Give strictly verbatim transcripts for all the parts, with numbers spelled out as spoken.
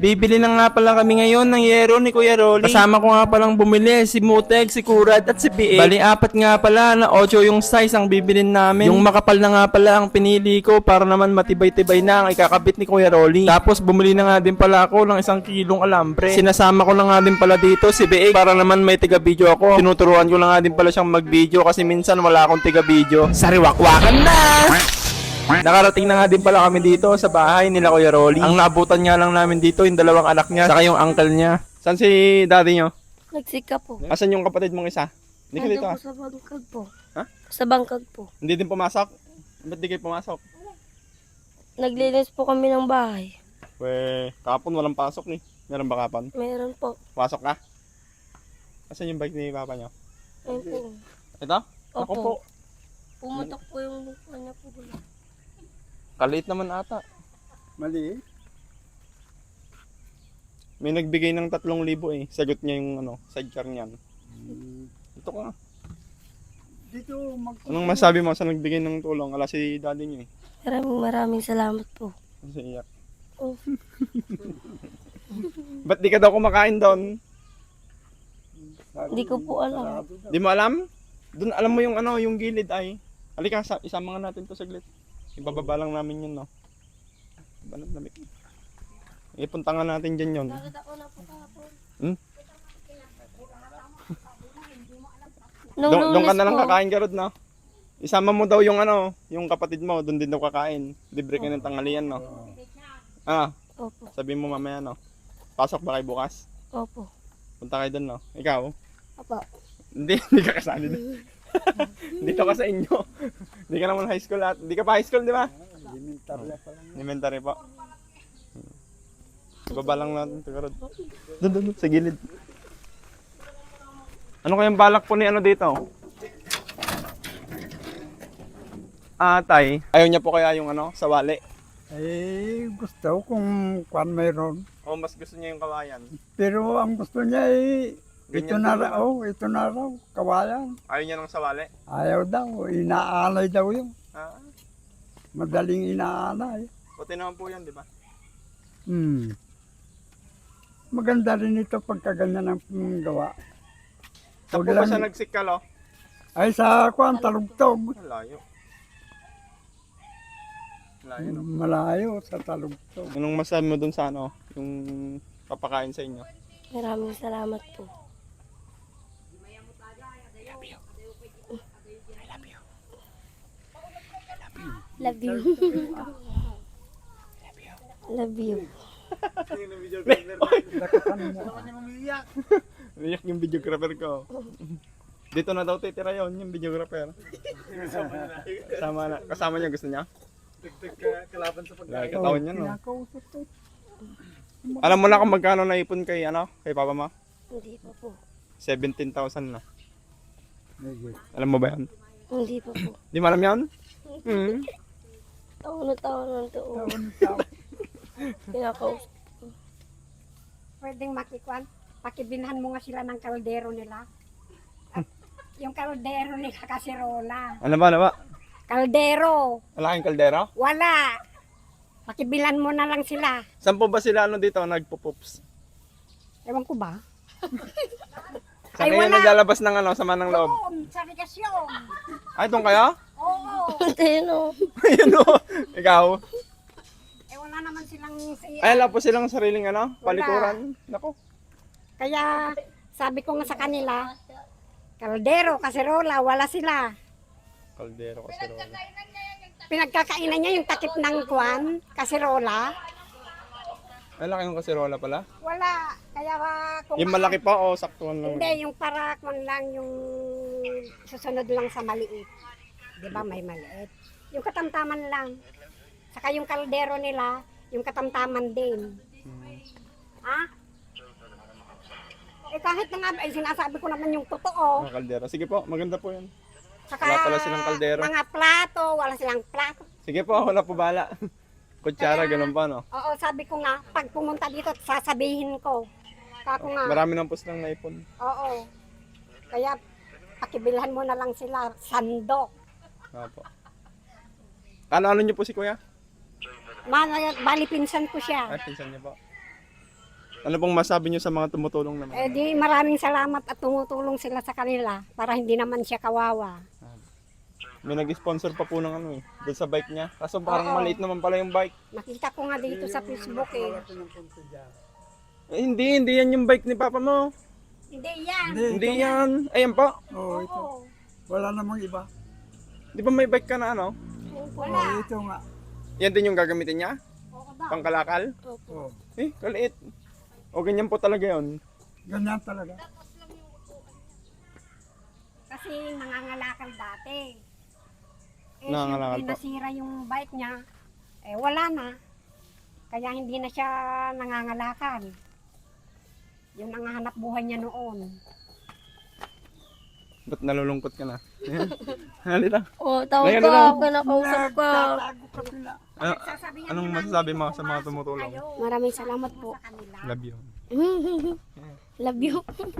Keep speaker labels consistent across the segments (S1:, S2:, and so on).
S1: Bibili na nga pala kami ngayon ng yero ni Kuya Rolly. Kasama ko nga palang bumili si Muteg, si Kurad at si P A. Bali apat nga pala na ocho yung size ang bibilin namin. Yung makapal na nga pala ang pinili ko para naman matibay-tibay na ang ikakabit ni Kuya Rolly. Tapos bumili na nga din pala ako ng isang kilong alambre. Sinasama ko na nga din pala dito si B A para naman may tiga-video ako. Tinuturuan ko na nga din pala siyang mag-video kasi minsan wala akong tiga-video. Sariwakwakan na! Nakarating na nga din pala kami dito sa bahay nila Kuya Rolly. Ang naabutan nga lang namin dito yung dalawang anak niya saka yung uncle niya. Saan si daddy nyo?
S2: Nagsika po.
S1: Asan yung kapatid mong isa? Hindi ka dito
S2: Nandun
S1: ah.
S2: po sa bangkag po.
S1: Ha?
S2: Sa bangkag po.
S1: Hindi din pumasok? Ba't di kayo pumasok?
S2: Naglinis po kami ng bahay.
S1: We, kapon walang pasok ni. Meron ba kapon?
S2: Meron po.
S1: Pasok ka? Asan yung bike ni papa nyo?
S2: Ayun po.
S1: Ito? Ako
S2: Opo.
S1: po.
S2: Pumutok po yung kanya po.
S1: Kaliit naman ata.
S3: Mali.
S1: May nagbigay ng tatlong libo eh. Sagot niya yung ano, sidecar niyan.
S3: Hmm.
S1: Ito ka.
S3: Dito mag...
S1: Anong masabi mo sa nagbigay ng tulong? Ala si daddy niyo eh.
S2: Maraming maraming salamat po.
S1: Kasi iyak.
S2: Oh.
S1: Ba't di ka daw kumakain doon?
S2: Hindi ko po alam.
S1: Di mo alam? Doon alam mo yung ano, yung gilid ay. Halika, sa- isama nga natin to saglit. Ibababa lang namin yun, no? Balat lamig. Ipunta nga natin dyan yun.
S2: Bakit ako na po kahapon?
S1: Hmm?
S2: Nung
S1: Doon doon ka
S2: lunes
S1: na lang
S2: po,
S1: kakain, Garod, no? Isama mo daw yung ano, yung kapatid mo, doon din daw kakain. Libre ka ng tanghalian, no? Ah,
S2: Opo.
S1: sabi mo mamaya, no? Pasok ba kayo bukas?
S2: Opo.
S1: Punta kayo doon, no? Ikaw?
S2: Opo.
S1: Hindi, hindi ka kasali doon. Dito ka sa inyo. Hindi ka naman high school at hindi ka pa high school, di ba?
S3: Elementarya pa lang.
S1: Elementary po. Ibaba lang natin ito, Garod. Doon, doon, doon, sa gilid. Ano kayang balak po ni ano dito? Ah, tay. Ayaw niya po kaya yung ano, sawali.
S3: Eh, gusto kung kwan mayroon.
S1: O mas gusto niya yung kawayan.
S3: Pero ang gusto niya eh, ito
S1: Ganyan
S3: na
S1: din
S3: raw, oh, ito na raw, kawayan.
S1: Ayaw niya ng sawali.
S3: Ayaw daw, inaalay daw yun.
S1: Ah,
S3: Madaling inaalay.
S1: puti naman po yan, di ba?
S3: Hmm. Maganda rin ito pagka ganyan ang mm, gawa.
S1: Saan
S3: Huwag
S1: po ba
S3: lang-
S1: siya nagsikal, oh?
S3: Ay sa kwan, talugtog.
S1: Malayo. Malayo, no?
S3: Malayo sa talugtog.
S1: Anong masabi mo dun sa ano, yung papakain sa inyo?
S2: Maraming salamat po. Love you. Love you.
S1: Iyak yung videographer ko. Dito na daw titira yon yung videographer. Kasama na. Kasama niya gusto niya?
S3: Kalaban sa
S1: Lagi katawan niya, no?
S3: Kinakausap ko.
S1: Alam mo na kung magkano naipon kay ano, kay papa mo?
S2: Hindi pa po.
S1: seventeen thousand na.
S3: Medyo.
S1: Alam mo ba yan?
S2: Hindi pa po.
S1: Di mo alam yan? Hmm.
S2: Taon na taon na to.
S3: Taon taon.
S2: Kinakausap.
S4: Pwedeng makikwan, pakibinhan mo nga sila ng kaldero nila. At yung kaldero nila kasirola.
S1: Ano ba, ano ba?
S4: Kaldero,
S1: Wala kang kaldero?
S4: wala. Pakibilan mo na lang sila.
S1: Saan po ba sila ano dito, nagpo-poops?
S4: Ewan ko ba?
S1: Saan
S4: Ay,
S1: kayo
S4: wala.
S1: naglalabas ng ano, sama ng loob?
S4: Doon, sa regasyon.
S1: Ay, doon kayo?
S4: Oo.
S2: Ayun o.
S1: Ayun o. Ikaw?
S4: Eh wala naman silang si...
S1: Ay, wala po silang sariling ano, palikuran. Nako.
S4: Kaya sabi ko nga sa kanila, kaldero, kasirola, wala sila.
S1: Kaldero kasi rola.
S4: Pinagkakainan niya yung takip ng kwan, kasirola.
S1: Ay, laki yung kasirola pala.
S4: Wala. Kaya uh, kung...
S1: Yung malaki pa o saktuhan lang?
S4: Hindi, yung para kung lang yung susunod lang sa maliit. Di ba may maliit? Yung katamtaman lang. Saka yung kaldero nila, yung katamtaman din. Ha? Eh kahit na nga, eh, sinasabi ko naman yung totoo.
S1: Mga kaldero. Sige po, maganda po yan.
S4: Saka
S1: Wala pala silang kaldero.
S4: mga plato, wala silang plato.
S1: Sige po, wala po bala. Kutsara,
S4: Kaya-
S1: ganun pa, no?
S4: Oo, sabi ko nga, pag pumunta dito, sasabihin ko. Kako nga,
S1: Marami nang po silang naipon.
S4: oo. Kaya pakibilhan mo na lang sila, sandok.
S1: Opo. Ano-ano niyo po si kuya?
S4: Ma, bali pinsan ko siya.
S1: Ay, pinsan niyo po. Ano pong masabi niyo sa mga tumutulong naman?
S4: Eh di maraming salamat at tumutulong sila sa kanila para hindi naman siya kawawa.
S1: May nag-sponsor pa po ng ano eh, doon sa bike niya. Kaso parang
S4: Oo.
S1: maliit naman pala yung bike.
S4: Nakita ko nga dito sa Facebook eh.
S1: Eh, hindi, hindi yan yung bike ni Papa mo.
S4: Hindi yan.
S3: Hindi,
S1: Hindi yan. Ayan po.
S3: Oo, ito.
S4: Oo.
S3: Wala namang iba.
S1: Di ba may bike ka na ano?
S4: Wala.
S3: Oo, ito nga.
S1: Yan din yung gagamitin niya?
S4: Oo daw.
S1: Pangkalakal?
S3: Oo,
S1: Eh, kaliit. O ganyan po talaga yun.
S3: ganyan talaga.
S4: Kasi nangangalakal dati. Eh,
S1: Nangangalakal
S4: siyempre
S1: po.
S4: nasira yung bike niya. Eh, wala na. Kaya hindi na siya nangangalakal. Yung nangahanap buhay niya noon.
S1: Ba't nalulungkot ka na? Halika.
S2: Oh, tawag
S1: Ayan
S2: ka,
S1: na.
S2: kinakausap ka.
S3: Nagtatago ka sila.
S1: Ano,
S4: Sasabihan
S1: anong
S4: niya
S1: masasabi
S4: namin
S1: mo
S4: kung
S1: sa mga
S4: pumasok
S1: tumutulong?
S4: kayo
S2: Maraming salamat po.
S4: sa kanila.
S1: Love you.
S2: Love you.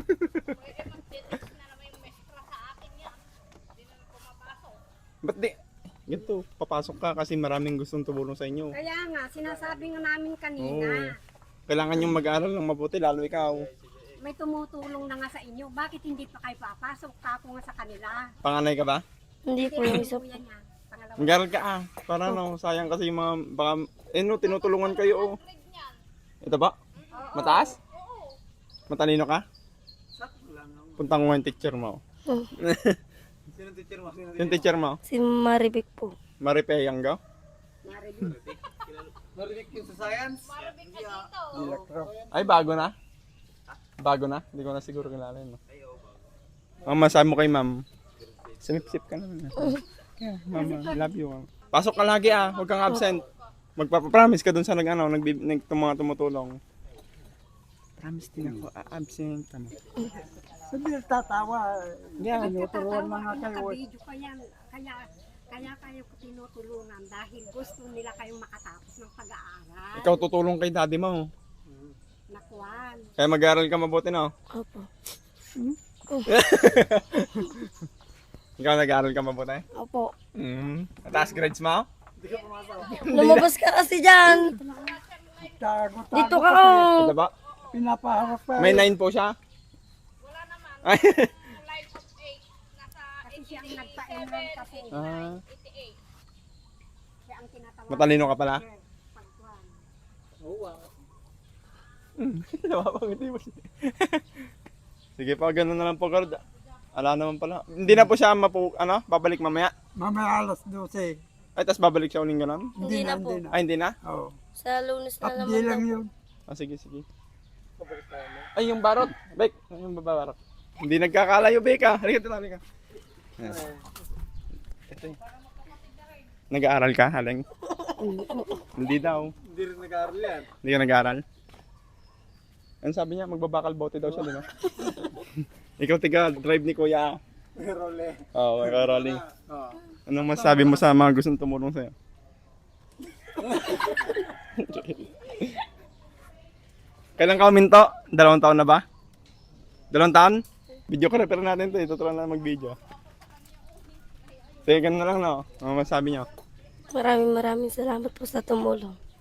S1: Ba't di? Ganito, papasok ka kasi maraming gustong tumulong sa inyo.
S4: Kaya nga, sinasabi nga namin kanina,
S1: Oo. Kailangan yung mag-aral ng mabuti, lalo ikaw.
S4: may tumutulong na nga sa inyo. Bakit hindi pa kayo papasok? Kako nga sa kanila.
S1: Panganay ka ba?
S2: Hindi po yung isa.
S4: Kuya niya, pangalawa.
S1: Mag-aral ka ah. Para no, sayang kasi yung mga, baka, eh no, tinutulungan kayo oh. Ito ba? Mataas? Matalino ka? Puntang mo yung teacher mo.
S2: Oh.
S1: Sino teacher mo? Sino teacher mo?
S2: Si Maribik po.
S1: Maripe Yanggaw?
S3: Electro.
S1: Ay, bago na? Bago na? Hindi ko na siguro kilala yun. No? Ang masabi mo kay ma'am, sumipsip ka naman. Yeah, mama, I love you. Ma'am. Pasok ka lagi ah, huwag kang absent. Magpapapromise ka dun sa nag, ano, nag, nag, mga tumutulong. Promise din ako, ah, absent. Tama.
S3: Sabi tatawa.
S1: Yeah,
S3: Ano, turuan na nga kayo.
S4: Nakabidyo ka yan. Kaya, kaya kayo tinutulungan dahil gusto nila kayong makatapos ng pag-aaral.
S1: ikaw tutulong kay daddy mo.
S4: Nakuan.
S1: Kaya mag-aaral ka mabuti no?
S2: Opo.
S1: Ikaw nag-aaral ka mabuti?
S2: Opo.
S1: Mm. Mataas grades mo?
S2: Lumabas ka kasi dyan.
S3: Tago, tago.
S2: Dito ka oh.
S1: Ito ba?
S3: Pinapaharap pa.
S1: May nine po siya? Wala naman. Ay.
S4: Kasi siya ang nagpa-enroll kasi.
S1: Ah,
S4: Siya ang tinatawag.
S1: matalino ka pala?
S4: Pagkuhan.
S1: Napapangiti mo siya. Sige pa, ganun na lang po, Gord. Ala naman pala. Hindi na po siya mapu, ano, babalik mamaya.
S3: Mamaya alas dose.
S1: Ay, tas babalik siya uling ganun?
S2: Hindi na po.
S3: Hindi na.
S1: Ay, hindi na?
S3: Oo.
S2: Sa lunes na
S3: Update
S2: naman daw.
S3: lang yun.
S1: Ah, sige, sige. Ay, yung barot. Bek, yung babarot. Hindi nagkakalayo, Bek, ah. Halika, dito, halika. Yes. Ito eh. Nag-aaral ka, Haleng? Hindi daw.
S3: Hindi rin nag-aaral yan.
S1: Hindi ka nag-aaral? Ano sabi niya? Magbabakal bote daw siya, di ba? Ikaw tiga drive ni Kuya.
S3: Role.
S1: Oo, oh, ikaw Rolly.
S3: Oo.
S1: Anong masasabi mo sa mga gustong tumulong sa'yo? Kailan ka uminto? Dalawang taon na ba? Dalawang taon? Video ka repair natin ito. Ituturuan na mag-video. Sige, ganun na lang no. Ano masasabi niyo?
S2: Maraming maraming salamat po sa tumulong.